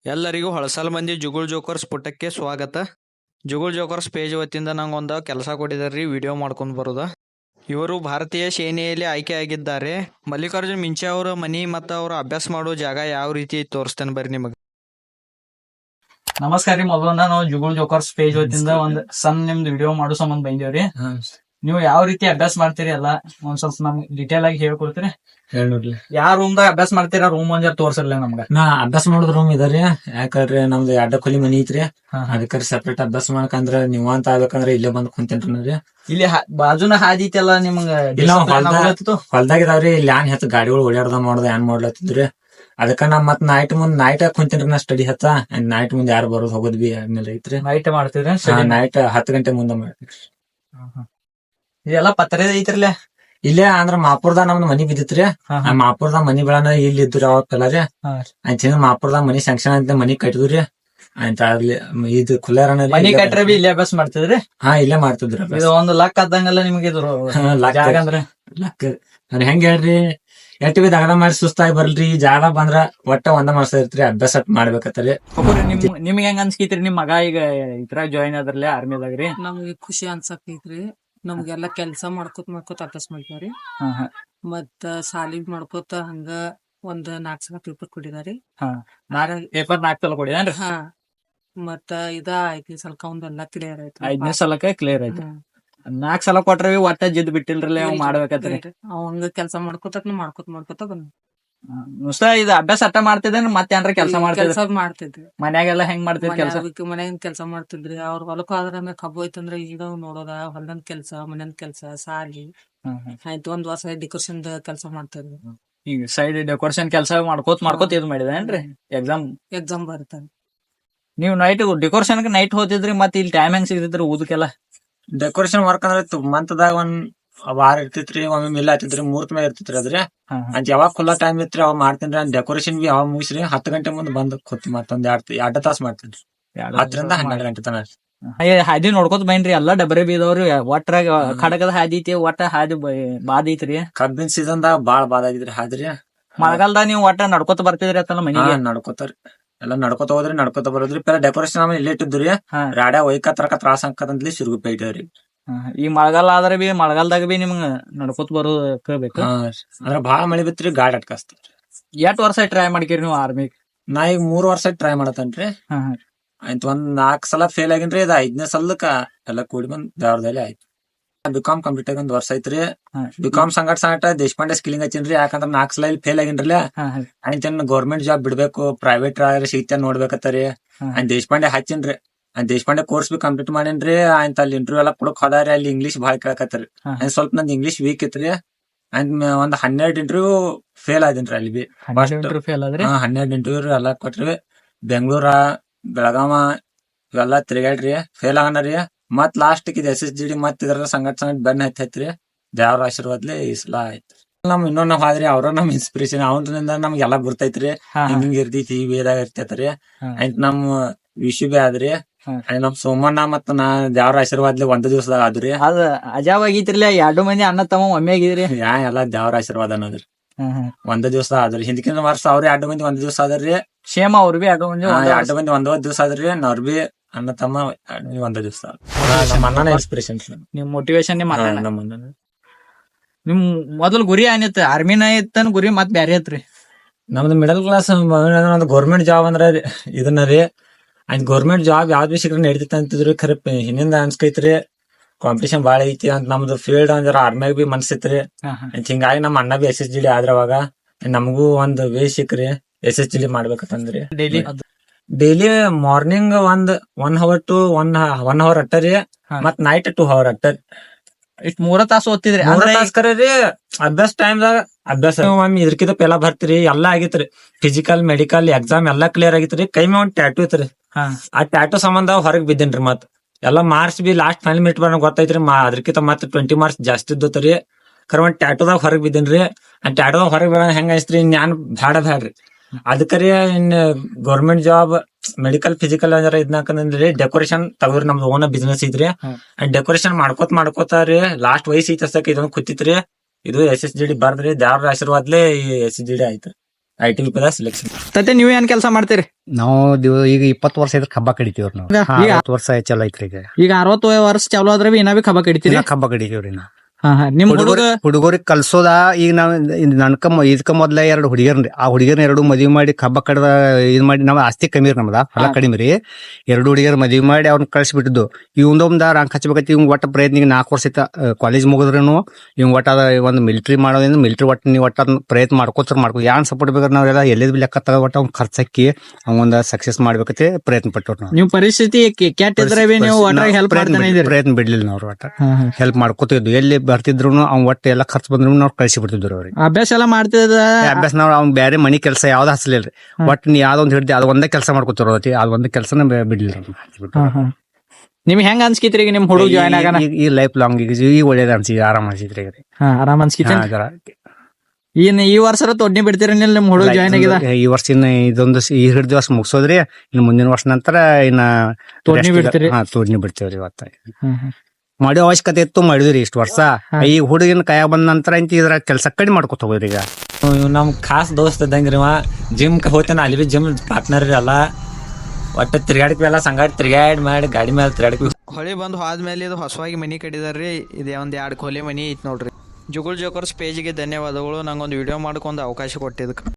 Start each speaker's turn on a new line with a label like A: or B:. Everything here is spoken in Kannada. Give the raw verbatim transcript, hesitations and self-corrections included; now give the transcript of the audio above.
A: ಎಲ್ಲರಿಗೂ ಹೊಳಸಲ್ ಮಂದಿ ಜುಗುಳ್ ಜೋಕರ್ಸ್ ಪುಟಕ್ಕೆ ಸ್ವಾಗತ. ಜುಗುಳ್ ಜೋಕರ್ಸ್ ಪೇಜ್ ವತಿಯಿಂದ ನಂಗೊಂದು ಕೆಲಸ ಕೊಟ್ಟಿದ್ದಾರೆ ರೀ, ವಿಡಿಯೋ ಮಾಡ್ಕೊಂಡು ಬರೋದ. ಇವರು ಭಾರತೀಯ ಸೇನೆಯಲ್ಲಿ ಆಯ್ಕೆಯಾಗಿದ್ದಾರೆ. ಮಲ್ಲಿಕಾರ್ಜುನ್ ಮಿಂಚೆ ಅವರ ಮನಿ ಮತ್ತು ಅವರು ಅಭ್ಯಾಸ ಮಾಡೋ ಜಾಗ ಯಾವ ರೀತಿ ತೋರಿಸ್ತೇನೆ ಬರ್ರಿ ನಿಮಗೆ.
B: ನಮಸ್ಕಾರ ರೀ. ಮೊದಲನ್ನ ನಾವು ಜುಗುಳ್ ಜೋಕರ್ಸ್ ಪೇಜ್ ವತಿಯಿಂದ ಒಂದ್ ಸಣ್ಣ ನಿಮ್ದು ವಿಡಿಯೋ ಮಾಡೋ ಸಂಬಂಧ ಬಂದೇವ್ರಿ. ನೀವು ಯಾವ ರೀತಿ ಅಭ್ಯಾಸ ಮಾಡ್ತೀರಿ ಎಲ್ಲ ಒಂದ್ ಸ್ವಲ್ಪ ನಮ್ಗೆ ಡಿಟೇಲ್ ಆಗಿ ಹೇಳ್ಕೊಡ್ತೀರಿ?
C: ಹೇಳ್ರಿ.
B: ಯಾವ ರೂಮ್ ದಾಗ ಅಭ್ಯಾಸ ಮಾಡ್ತೀರಾ ರೂಮ್ ಒಂದ್ ಜರ ತೋರ್ಸಲ್ಲ ನಮ್ಗ.
C: ನಾ ಅಭ್ಯಾಸ ಮಾಡೋದ್ ರೂಮ್ ಇದಾರಿ. ಯಾಕಂದ್ರೆ ನಮ್ದು ಎರಡ ಕೊಲಿ ಮನಿ ಐತ್ರಿ, ಅದಕ್ಕೆ ಸೆಪರೇಟ್ ಅಭ್ಯಾಸ ಮಾಡಕಂದ್ರ ನೀವ್ ಅಂತ ಆಗ್ಬೇಕಂದ್ರ ಇಲ್ಲೇ ಬಂದ್ ಕುಂತೇನ್ರಿ.
B: ಇಲ್ಲಿ ಬಾಜುನ ಹಾದಿ ಐತೆಲ್ಲ ನಿಮ್ಗ
C: ಹೊಲ್ದಾಗ ಇದಾವ್ರಿ. ಇಲ್ಲಿ ಯಾನ್ ಹೆಚ್ಚು ಗಾಡಿಗಳು ಓಡಾಡ್ದ ಮಾಡೋದ್ ಏನ್ ಮಾಡ್ಲತ್ತಿದ್ರಿ. ಅದಕ್ಕ ನಾ ಮತ್ ನೈಟ್ ಮುಂದ್ ನೈಟ್ ಕುಂತೇನ್ರಿ. ನಾ ಸ್ಟಡಿ ಹತ್ತ ನೈಟ್ ಮುಂದ್ ಯಾರು ಬರೋದ್ ಹೋಗೋದ್ ಬಿ ಆದ್ಮೇಲೆ ಐತ್ರಿ.
B: ನೈಟ್ ಮಾಡ್ತೀರಿ?
C: ನೈಟ್ ಹತ್ತು ಗಂಟೆ ಮುಂದೆ ಮಾಡ್ತೀವಿ.
B: ಇದೆಲ್ಲ ಪತ್ರ ಐತ್ರಲ್ಲ
C: ಇಲ್ಲೇ ಅಂದ್ರ ಮಾಪುರ್ದಾಗ ನಮ್ದು ಮನಿ ಬಿದ್ದಿತ್ರಿ. ಆ ಮಾಪುರ್ದಾಗ ಮನಿ ಬೆಳನ ಇಲ್ಲಿ ಇದ್ರಿ ಅವಾಗ ಪೆಲಾರಿ. ಆಯ್ತು ಮಾಪುರ್ದಾಗ ಮನಿ ಸ್ಯಾಂಕ್ಷನ್ ಅಂತ ಮನಿ ಕಟ್ಟಿದ್ರಿ. ಆಯ್ತ ಅಲ್ಲಿ ಇದು ಕುಲ್ಲಾರನ
B: ಮನಿ ಕಟ್ರೆ ಬಿ ಇಲ್ಲೇ ಅಭ್ಯಾಸ ಮಾಡ್ತಿದ್ರಿ?
C: ಹಾ ಇಲ್ಲೇ ಮಾಡ್ತಿದ್ರಿ.
B: ಇದು ಒಂದು ಲಕ್ ಆದಂಗಲ್ಲ ನಿಮ್ಗೆ ಇದು ಜಾಗ ಅಂದ್ರೆ
C: ಲಕ್ ಹೆಂಗ್ ಹೇಳ್ರಿ. ಎಟ್ ಬಿ ದಗಡ ಮಾಡಿ ಸುಸ್ತಾಗಿ ಬರ್ಲ್ರಿ. ಜಾಗ ಬಂದ್ರ ಒಟ್ಟ ಒಂದ ಮಾಡ್ಸಿರ್ತ್ರಿ. ಅಭ್ಯಾಸ ಮಾಡ್ಬೇಕತ್ತರಿ.
B: ನಿಮ್ ನಿಮ್ಗೆ ಹೆಂಗ್ ಅನ್ಸ್ಕೈತ್ರಿ ನಿಮ್ ಮಗ ಈಗ ಇದ್ರಾಗ ಜಾಯಿನ್ ಆದ್ರಲ್ಲ ಆರ್ಮಿದಾಗ್ರಿ?
D: ನಮ್ಗೆ ಖುಷಿ ಅನ್ಸಕೈತ್ರಿ. ನಮ್ಗೆಲ್ಲಾ ಕೆಲ್ಸಾ ಮಾಡ್ಕೋತ ಮಾಡ್ಕೋತ ಅಭ್ಯಾಸ ಮಾಡ್ತಾವ್ರಿ. ಮತ್ತ ಸಾಲಿ ಮಾಡ್ಕೋತ ಹಂಗ ಒಂದ್ ನಾಲ್ಕ್ ಸಲ ಪೇಪರ್ ಕೊಟ್ಟಿದಾರಿ.
B: ಪೇಪರ್ ನಾಲ್ಕು ಸಲ ಕೊಡಿದಾನ್ರಿ?
D: ಹಾ ಮತ್ತ ಇದ ಐದ್ನೇ ಸಲಕ ಒಂದೆಲ್ಲಾ ಕ್ಲಿಯರ್ ಆಯ್ತು.
B: ಐದನೇ ಸಲಕ್ಕೆ ಕ್ಲಿಯರ್ ಆಯ್ತು. ನಾಲ್ಕ್ ಸಲ ಕೊಟ್ರಿ ಒಟ್ಟ ಜಿದ್ ಬಿಟ್ಟಿಲ್ರಿ ಅವ್ ಮಾಡ್ಬೇಕತ್ರಿ.
D: ಅವಂಗ ಕೆಲ್ಸಾ ಮಾಡ್ಕೋತ ಮಾಡ್ಕೋತ ಮಾಡ್ಕೋತ ಬಂದ್
B: ಮುಸ್ತ ಇದು ಅಭ್ಯಾಸ ಅಟ್ಟ ಮಾಡ್ತಿದ್ದೇನೆ. ಮತ್ತೆ ಏನ್ರ ಕೆಲ್ಸ ಮಾಡ್ತಿದ್ರಿ?
D: ಕೆಲ್ಸ ಮಾಡ್ತಿದ್ರಿ.
B: ಮನ್ಯಾಗೆಲ್ಲ ಹೆಂಗ್ ಮಾಡ್ತಿದ್ರಿ ಕೆಲ್ಸ?
D: ಮನ್ಯಾಗಿನ ಕೆಲ್ಸ ಮಾಡ್ತಿದ್ರಿ. ಅವ್ರ ಹೊಲಕ್ಕ ಆದ್ರ ಆಮೇಲೆ ಕಬ್ಬು ಐತಂದ್ರ ಈಗ ನೋಡೋದ ಹೊಲದ ಕೆಲ್ಸ, ಮನೆಯನ್ ಕೆಲ್ಸ, ಸಾಲಿ ಆಯ್ತು. ಒಂದ್ ವರ್ಷ ಡೆಕೋರೇಷನ್ ಕೆಲ್ಸ ಮಾಡ್ತಿದ್ರಿ.
B: ಈಗ ಸೈಡ್ ಡೆಕೋರೇಷನ್ ಕೆಲಸ ಮಾಡ್ಕೋತ ಮಾಡ್ಕೋತ ಇದು ಮಾಡಿದೇನ್ರಿ? ಎಕ್ಸಾಮ್
D: ಎಕ್ಸಾಮ್ ಬರ್ತಾರ.
B: ನೀವು ನೈಟ್ ಡೆಕೋರೇಷನ್ ನೈಟ್ ಹೋತಿದ್ರಿ, ಮತ್ತೆ ಇಲ್ಲಿ ಟೈಮ್ ಹೆಂಗ್ ಸಿಗ್ತಿದ್ರಿ ಓದಕ್ಕೆಲ್ಲ?
C: ಡೆಕೋರೇಷನ್ ವರ್ಕ್ ಅಂದ್ರೆ ಮಂತ್ದಾಗ ಒಂದ್ ವಾರ ಇರ್ತಿತ್ರಿ, ಒಮ್ಮೆ ಮಿಲ್ ಆತಿತ್ರಿ, ಮೂರ್ತ ಮೇಲೆ ಇರ್ತಿತ್ರಿ ಅದ್ರಿ. ಅಂತ ಯಾವಾಗ ಖುಲ್ಲಾ ಟೈಮ್ ಇತ್ರಿ ಅವಾಗ ಮಾಡ್ತೇನ್ರಿ. ಡೆಕೋರೇಷನ್ ಬಿ ಯಾವಾಗ ಮುಗಿಸ್ರಿ ಹತ್ತು ಗಂಟೆ ಮುಂದೆ ಬಂದ್ ಕೂತ್ ಮತ್ತೊಂದ್ ಎರಡ್ ಎರಡ್ ತಾಸ ಮಾಡ್ತೇನ್ರಿ. ಹತ್ತರಿಂದ ಹನ್ನೆರಡು ಗಂಟೆ ತನ
B: ಹಾದಿ ನೋಡ್ಕೋತ ಬೈನ್ರಿ. ಎಲ್ಲಾ ಡಬರಿ ಬೀದವ್ರಿ. ಒಟ್ರಾಗ ಖಡಗದ ಹಾದಿ ಐತಿ, ಒಟ್ಟ ಹಾದಿ ಬಾದ್ ಐತ್ರಿ.
C: ಕಬ್ಬಿನ ಸೀಸನ್ ದಾಗ ಬಾಳ್ ಬಾದ್ ಆಗಿದ್ರಿ ಹಾದ್ರಿ.
B: ಮಳೆಗಾಲದಾಗ ನೀವು ಒಟ್ಟ ನಡ್ಕೋತ ಬರ್ತಿದ್ರಿ ಅತ್ತಲ್ಲ ಮನಿಗೆ?
C: ನಡ್ಕೋತಾರಿ. ಎಲ್ಲಾ ನಡ್ಕೋತ ಹೋದ್ರಿ, ನಡ್ಕೋತ ಬರೋದ್ರಿ. ಪೆಲ್ಲ ಡೆಕೋರೇಷನ್ ಆಮೇಲೆ ಇಲ್ಲೇ ಇಟ್ಟಿದ್ರಿ. ರಾಡ್ಯಾ ಒಯ್ಕ ತರಕ ತ್ರಾಸ ಹಾಕದಂತ್ಲಿ ಸಿರುಗುಪ್ಪೆ ಇಟ್ಟವ್ರಿ.
B: ಈ ಮಳೆಗಾಲ ಆದ್ರೆ ಬಿ ಮಳೆಗಾಲದಾಗ ಬಿ ನಿಮ್ಗ ನಡ್ಕೋತ ಬರೋಬೇಕು.
C: ಅಂದ್ರ ಬಾಳ ಮಳಿ ಬಿತ್ರಿ, ಗಾಡಿ ಅಟ್ಕಾಸ್ತಾರ.
B: ಎಷ್ಟ್ ವರ್ಷ ಟ್ರೈ ಮಾಡ್ಕಿರಿ ನೀವು ಆರ್ಮಿ?
C: ನಾ ಈಗ ಮೂರ್ ವರ್ಷ ಟ್ರೈ ಮಾಡತೇನ್ರಿ. ಆಯ್ತು ಒಂದ್ ನಾಲ್ಕ್ ಸಲ ಫೇಲ್ ಆಗಿನ್ರಿ. ಇದ ಐದನೇ ಸಲಕ್ಕ ಎಲ್ಲಾ ಕೂಡಿ ಬಂದ್ ದೇವ್ರದಲ್ಲಿ ಆಯ್ತು. ಬಿಕಾಮ್ ಕಂಪ್ಲೀಟ್ ಆಗಿ ಒಂದ್ ವರ್ಷ ಐತ್ರಿ. ಬಿಕಾಮ್ ಸಂಗಟ ಸಂಗಟ ದೇಶಪಾಂಡೆ ಸ್ಕಿಲಿಂಗ್ ಹಚ್ಚಿನ್ರಿ. ಯಾಕಂದ್ರ ನಾಲ್ಕ್ ಸಲ ಇಲ್ಲಿ ಫೇಲ್ ಆಗಿನ್ರಲ್ಲ. ಆಯ್ತು ಗೌರ್ಮೆಂಟ್ ಜಾಬ್ ಬಿಡ್ಬೇಕು, ಪ್ರೈವೇಟ್ ಸಿಗ್ತ ನೋಡ್ಬೇಕತ್ತರಿ. ಆಯ್ತು ದೇಶಪಾಂಡೆ ಹಚ್ಚಿನ್ರಿ. ಆಯ್ತು ದೇಶಪಾಂಡೆ ಕೋರ್ಸ್ ಬಿ ಕಂಪ್ಲೀಟ್ ಮಾಡೇನ್ರಿ. ಆಯ್ತು ಅಲ್ಲಿ ಇಂಟರ್ವ್ಯೂ ಎಲ್ಲಾ ಕೊಡಕ್ ಹೋದಾರಿ. ಅಲ್ಲಿ ಇಂಗ್ಲೀಷ್ ಬಾಳ ಕೇಳಕತ್ತರಿ. ಸ್ವಲ್ಪ ನಂದ್ ಇಂಗ್ಲೀಷ್ ವೀಕ್ ಇತ್ರಿ. ಆಯ್ತು ಒಂದ್ ಹನ್ನೆರಡು ಇಂಟರ್ವ್ಯೂ ಫೇಲ್ ಆದಿನ್ರಿ. ಅಲ್ಲಿ ಬಿ ಹನ್ನೆರಡು ಇಂಟರ್ವ್ಯೂ ಎಲ್ಲಾ ಕೊಟ್ರಿ. ಬೆಂಗಳೂರ, ಬೆಳಗಾವ ಇವೆಲ್ಲಾ ತಿರುಗಾಡ್ರಿ. ಫೇಲ್ ಆಗನರಿ. ಮತ್ ಲಾಸ್ಟ್ ಇದು ಎಸ್ ಎಸ್ ಜಿ ಡಿ ಮತ್ ಇದ್ರ ಸಂಗಟ್ ಸಂಗಟ್ ಬೆನ್ ಹತ್ತೈತ್ರಿ. ದೇವ್ರ ಆಶೀರ್ವಾದ್ಲಿ ಈ ಸಲ ಆಯ್ತು. ನಮ್ ಇನ್ನೊಂದ್ ನಾವ್ ಆದ್ರಿ ಅವ್ರ ನಮ್ ಇನ್ಸ್ಪಿರೇಷನ್. ಅವನಿಂದ ನಮ್ಗೆಲ್ಲಾ ಗುರ್ತೈತ್ರಿ. ಹಿಂಗಿಂಗ್ ಇರ್ತೈತಿ, ಈ ವೇದಾಗ ಇರ್ತೈತ್ರಿ. ಆಯ್ತು ನಮ್ ವಿಶು ಬಿ ಆದ್ರಿ. ನಮ್ ಸೋಮಣ್ಣ ಮತ್ ನಾ ದೇವ್ರ ಆಶೀರ್ವಾದ್ಲಿ ಒಂದ್ ದಿವಸದಾಗ ಆದ್ರಿ.
B: ಅದ ಅಜಾವ್ ಆಗಿತ್ರಿಲ್ಲ. ಎರಡು ಮಂದಿ ಅಣ್ಣ ತಮ್ಮ ಒಮ್ಮೆ ಆಗಿದ್ರಿ.
C: ಯಾ ಎಲ್ಲಾ ದೇವ್ರ ಆಶೀರ್ವಾದ ಅನ್ನೋದ್ರಿ. ಒಂದ್ ದಿವಸ ಆದ್ರಿ. ಹಿಂದಕಿನ ವರ್ಷ ಅವ್ರ ಎರಡು ಮಂದಿ ಒಂದ್ ದಿವಸ ಆದ್ರಿ.
B: ಸೇಮ್ ಅವ್ರ ಬಿ ಎರಡು ಮಂದಿ
C: ಎರಡು ಮಂದಿ ಒಂದ್ ದಿವಸ ಆದ್ರಿ. ಅವ್ರ ಬಿ ಅಣ್ಣ ತಮ್ಮ ಒಂದ ದಿವಸ. ನಮ್ಮ ಅಣ್ಣನ ಇನ್ಸ್ಪಿರೇಷನ್.
B: ನಿಮ್ ಮೋಟಿವೇಶನ್ ನಿಮ್ ಅಣ್ಣ.
C: ನಮ್ಮ ಅಣ್ಣ.
B: ನಿಮ್ ಮೊದಲ್ ಗುರಿ ಏನಿತ್ತು? ಆರ್ಮಿನ ಇತ್ತನ್ ಗುರಿ ಮತ್ ಬ್ಯಾರೆ ಐತ್ರಿ?
C: ನಮ್ದು ಮಿಡಲ್ ಕ್ಲಾಸ್ ಗೌರ್ಮೆಂಟ್ ಜಾಬ್ ಅಂದ್ರ ಇದನ್ನ ರೀ. ಆಯ್ತು ಗೌರ್ಮೆಂಟ್ ಜಾಬ್ ಯಾವ್ದ್ ಬಿ ಸಿಕ್ಕ್ರೆ ನಡೀತೈತಿ ಅಂತಿದ್ರಿ. ಖರೆ ಹಿಂದಿಂದ ಅನ್ಸ್ಕೈತ್ರಿ ಕಾಂಪಿಟೇಷನ್ ಬಾಳ ಐತಿ ಅಂತ. ನಮ್ದು ಫೀಲ್ಡ್ ಅಂದ್ರ ಆರ್ಮಿಯಾಗ ಬಿ ಮನ್ಸಿತ್ರಿ. ಹಿಂಗಾಗಿ ನಮ್ ಅಣ್ಣ ಬಿ ಎಸ್ ಎಸ್ ಜಿ ಡಿ ಆದ್ರ ಅವಾಗ ನಮಗೂ ಒಂದ್ ವೇ ಸಿಕ್ರಿ ಎಸ್ ಎಸ್ ಜಿ ಡಿ ಮಾಡ್ಬೇಕಂತಂದ್ರಿ.
B: ಡೈಲಿ
C: ಡೈಲಿ ಮಾರ್ನಿಂಗ್ ಒಂದ್ one hour to one one hour ಅಟ್ಟರಿ. ಮತ್ ನೈಟ್ ಟೂ ಅವರ್ ಅಟ್ಟರಿ.
B: ಇಷ್ಟ್ ಮೂರ ತಾಸು ಓದ್ತಿದ್ರಿ?
C: ಮೂರ ತಾಸ ಕರೆ ರೀ. ಅಭ್ಯಾಸ ಟೈಮ್ದಾಗ ಅಭ್ಯಾಸ ಒಮ್ಮೆ ಇದ್ರಕಿಂತ ಪೆಲ ಬರ್ತೀರಿ. ಎಲ್ಲಾ ಆಗಿತ್ರಿ. ಫಿಸಿಕಲ್ ಮೆಡಿಕಲ್ ಎಕ್ಸಾಮ್ ಎಲ್ಲಾ ಕ್ಲಿಯರ್ ಆಗಿತ್ರಿ. ಕೈ ಮೇ ಒಂದ್ ಟ್ಯಾಟೂ ಇತ್ರಿ. ಆ ಟ್ಯಾಟೂ ಸಂಬಂಧ ಹೊರಗ್ ಬಿದ್ದೇನ್ರಿ. ಮತ್ ಎಲ್ಲಾ ಮಾರ್ಕ್ಸ್ ಬಿ ಲಾಸ್ಟ್ ಫೈನಲ್ ಮಿನಿಟ್ ಬರೋಣ ಗೊತ್ತೈತ್ರಿ. ಅದ್ರಕಿಂತ ಮತ್ ಟ್ವೆಂಟಿ ಮಾರ್ಕ್ಸ್ ಜಾಸ್ತಿ ಇದ್ದತ್ರಿ. ಕರೆ ಒಂದ್ ಟ್ಯಾಟೂದಾಗ ಹೊರಗ್ ಬಿದ್ದೇನ್ರಿ. ಆ ಟ್ಯಾಟೂದಾಗ ಹೊರಗ್ ಬೀಳ ಹೆಂಗ ಅನ್ಸ್ತ್ರಿ, ನಾನ್ ಬ್ಯಾಡ ಬ್ಯಾಡ್ರಿ. ಅದಕ್ಕರಿ ಇನ್ ಗೌರ್ಮೆಂಟ್ ಜಾಬ್ ಮೆಡಿಕಲ್ ಫಿಸಿಕಲ್ ಅಂದ್ರ ಇದನ್ನಕಂದ್ರಿ ಡೆಕೋರೇಷನ್ ತಗೋರಿ. ನಮ್ದು ಓನ್ ಬಿಸ್ನೆಸ್ ಐತ್ರಿ. ಡೆಕೋರೇಷನ್ ಮಾಡ್ಕೋತ ಮಾಡ್ಕೋತಾರಿ ಲಾಸ್ಟ್ ವಯಸ್ಸು ಐತಸ್ತಕ ಇದೊಂದ್ ಕೂತಿತ್ರಿ. ಇದು ಎಸ್ ಎಸ್ ಜಿ ಡಿ ಬರ್ದ್ರಿ. ದೇವ್ರ ಆಶೀರ್ವಾದ್ಲೆ ಈ ಎಸ್ ಎಸ್ ಜಿ ಡಿ ಆಯ್ತು. ಐ ಟಿ ವಿಪದ ಸೆಲೆಕ್ಷನ್.
A: ತತ್ತೆ ನೀವ್ ಏನ್ ಕೆಲಸ ಮಾಡ್ತೀರಿ?
E: ನಾವು ದಿವ ಈಗ ಇಪ್ಪತ್ತು ವರ್ಷ ಇದ್ರ ಕಬ್ಬ ಕಡಿತೀವ್ರಿ ನಾವು.
A: ಈಗ-
E: ಹಾ, ಅರವತ್ತು ವರ್ಷ ಚಲೋ ಐತ್ರಿ ಈಗ.
A: ಈಗ ಅರವತ್ತು ವರ್ಷ ಚಾಲು ಆದ್ರೆ ಬಿ ಇನ್ನ ಬಿ ಕಬ್ಬ ಕಡಿತೀರಿ?
E: ಇನ್ನ ಕಬ್ಬ ಕಡಿತೀವ್ರಿ ನಾವು.
A: ಹಾ ಹಾ ನಿಮ್ ಹುಡುಗ
E: ಹುಡುಗರಿ ಹುಡುಗರಿಗೆ ಕಲ್ಸೋದ ಈಗ ನಾವ್ ನನ್ಕ ಇದಕ್ಕ ಮೊದ್ಲ ಎರಡು ಹುಡುಗಿಯರ್ರಿ, ಆ ಹುಡುಗಿಯರ್ನ ಎರಡು ಮದ್ವಿ ಮಾಡಿ ಕಬ್ಬ ಕಡ್ದ ಇದ್ ಮಾಡಿ ನಾವ್ ಆಸ್ತಿ ಕಮ್ಮಿ ರೀ ನಮ್ದ ಹೊಲ ಕಡಿಮೆ ರೀ. ಎರಡು ಹುಡುಗಿಯರ್ ಮದ್ವಿ ಮಾಡಿ ಅವ್ರನ್ನ ಕಳ್ಸಿಬಿಟ್ಟಿದ್ದು. ಇವಂದೊಂದ ರಂಕ್ ಹಚ್ಬೇಕೈತಿ. ಇವ್ ಒಟ್ಟ ಪ್ರಯತ್ನ ಈಗ ನಾಲ್ಕು ವರ್ಷ ಐತ ಕಾಲೇಜ್ ಮುಗಿದ್ರೇನು ಇವ್ ಒಟ್ಟ ಅದ ಒಂದ್ ಮಿಲಿಟರಿ ಮಾಡೋದ್ರಿಂದ ಮಿಲಿಟರಿ ಒಟ್ಟ ನೀವು ಒಟ್ಟ ಅದನ್ನ ಪ್ರಯತ್ನ ಮಾಡ್ಕೋತಾರ ಮಾಡ್ಕೊ ಯಾನ್ ಸಪೋರ್ಟ್ ಬೇಕಾದ್ರೆ ನಾವೆಲ್ಲ ಎಲ್ಲೆದ್ ಲೆಕ್ಕ ತಗೋ ಒಟ್ಟ ಅವ್ನ ಖರ್ಚಾಕಿ ಅವಂದ ಸಕ್ಸಸ್ ಮಾಡ್ಬೇಕೈತಿ ಪ್ರಯತ್ನ ಪಟ್ಟವ್ರು ನಾವು.
A: ನಿಮ್ ಪರಿಸ್ಥಿತಿ ಕೆಟ್ಟ ಇದ್ರೆ ಬಿ ನೀವು ಒಟ್ಟಾಗಿ ಹೆಲ್ಪ್ ಮಾಡ್ತಾನೆ ಇದೀರಿ?
E: ಪ್ರಯತ್ನ ಬಿಡ್ಲಿಲ್ಲ ನಾವು ಒಟ್ಟ ಹೆಲ್ಪ್ ಮಾಡ್ಕೋತಿದ್ವಿ. ಎಲ್ಲಿ ಬರ್ತಿದ್ರು ಅವ್ನ್ ಒಟ್ಟು ಎಲ್ಲ ಖರ್ಚು ಬಂದ್ರು ನಾವು ಕಳ್ಸಿ ಬಿಡ್ತಿದ್ರು ಅವ್ರಿಗೆ.
A: ಅಭ್ಯಾಸ ಎಲ್ಲ ಮಾಡ್ತಿದ
E: ಅಭ್ಯಾಸ ನಾವ್ ಅವ್ನ್ ಬೇರೆ ಮನಿ ಕೆಲಸ ಯಾವ್ದು ಹಚ್ಚಲಿಲ್ರಿ. ಒಟ್ ನೀ ಯಾವ್ದೊಂದ್ ಹಿಡ್ದಿ ಅದ್ ಒಂದೇ ಕೆಲಸ ಮಾಡ್ಕೊತಿರೋತಿ, ಅದ್ ಒಂದೇ ಕೆಲಸನ ಬಿಡ್ಲಿಲ್ಲ.
A: ನಿಮ್ಗೆ ಹೆಂಗ ಅನ್ಸ್ಕಿತ್ರಿ ಈಗ ನಿಮ್ ಹುಡುಗ ಜಾಯ್ನ್ ಆಗಾನ?
E: ಈ ಲೈಫ್ ಲಾಂಗ್ ಈಗ ಈಗ ಒಳ್ಳೇದ ಅನ್ಸಿ ಆರಾಮ್ ಅನ್ಸಿದ್ರಿ ಈಗ.
A: ಹಾ ಆರಾಮ್ ಅನ್ಸ್ಕಿತ್ತ.
E: ಹಾ, ಅದರ
A: ಇನ್ ಈ ವರ್ಷ ತೊಡ್ನಿ ಬಿಡ್ತೀರಿ ನಿಲ್ ನಿಮ್ ಹುಡುಗ ಜಾಯ್ನ್ ಆಗಿದೆ?
E: ಈ ವರ್ಷ ಇನ್ನ ಇದೊಂದು ಸ- ಈ ಹಿಡ್ದ ವರ್ಷ ಮುಗಿಸೋದ್ರಿ. ಇನ್ನು ಮುಂದಿನ ವರ್ಷ ನಂತರ ಇನ್ನ
A: ತೋಡ್ನಿ ಬಿಡ್ತೀರಿ?
E: ಹಾ ತೋಡ್ನಿ ಬಿಡ್ತೇವ್ರಿ. ಇವತ್ತ ಮಾಡೋ ಅವಶ್ಯಕತೆ ಇತ್ತು, ಮಾಡಿದ್ರಿ ಇಷ್ಟು ವರ್ಷ. ಈ ಹುಡುಗಿನ ಕೈಯಾಗ ಬಂದ ನಂತರ ಇಂತ ಇದ್ರ ಕೆಲಸ ಕಡಿಮೆ ಮಾಡ್ಕೊತ ಹೋಗ್ರಿ ಈಗ.
C: ಇವ್ ನಮ್ ಖಾಸ್ ದೋಸ್ತ ಇದ್ದಂಗ್ರಿ ಅವ. ಜಿಮ್ ಹೋಗ್ತಾನ, ಅಲ್ಲಿ ಬಿ ಜಿಮ್ ಪಾರ್ಟ್ನರ್ ರೀ ಅಲ್ಲ. ಒಟ್ಟ ತಿರ್ಗಾಡಿದ್ವಿ ಎಲ್ಲ ಸಂಗಾಡಿ ತಿರ್ಗಾಡಿ ಮಾಡಿ ಗಾಡಿ ಮೇಲೆ ತಿರ್ಗಾಡಿದ್ವಿ.
A: ಹೊಳಿ ಬಂದು ಹೋದ್ಮೇಲೆ ಇದು ಹೊಸವಾಗಿ ಮನಿ ಕಟ್ಟಿದಾರ್ರಿ. ಇದೇ ಒಂದ್ ಎರಡ್ ಕೊಲೆ ಮನಿ ಐತ್ ನೋಡ್ರಿ. ಜುಗುಲ್ ಜೋಕರ್ಸ್ ಪೇಜ್ಗೆ ಧನ್ಯವಾದಗಳು. ನಂಗೊಂದು ವಿಡಿಯೋ ಮಾಡ್ಕೊಂಡ್ ಅವಕಾಶ ಕೊಟ್ಟಿದ್ದಕ್ಕೆ.